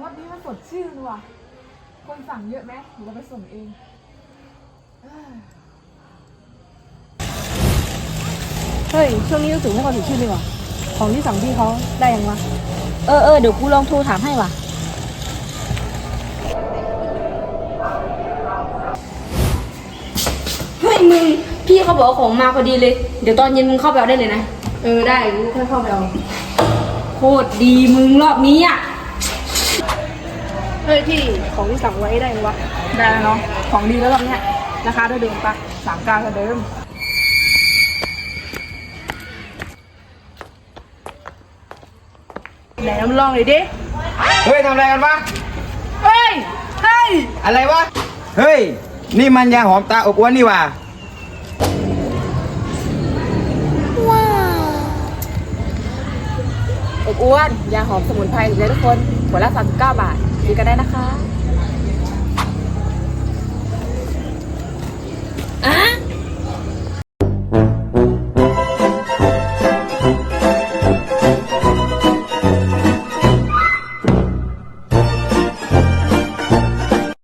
รสนี้มันสดชื่นว่ะคนสั่งเยอะไหมหรือเราไปส่งเองเฮ้ยช่วงนี้รู้สึกไม่ค่อยสดชื่นเลยว่ะของที่สั่งพี่เขาได้ยังวะเดี๋ยวกูลองโทรถามให้ว่ะเฮ้ยมึงพี่เขาบอกของมาพอดีเลยเดี๋ยวตอนเย็นมึงเข้าไปเอาได้เลยนะได้กูค่อยเข้าไปเอาโคตรดีมึงรอบนี้อ่ะเฮ้ยพี่ของที่สั่งไว้ได้ยังวะได้แล้วเนาะของดีแล้วรอบเนี้ยราคาเท่าเดิมปะ39เท่าเดิมไหนน้ำลองเลยดิเฮ้ยทำอะไรกันวะเฮ้ยอะไรวะ เฮ้ย นี่มันยาหอมตาอบอวนนี่หว่าอบอ้วนยาหอมสมุนไพรเลยทุกคนขวดละ39 บาทซื้อกันได้นะคะ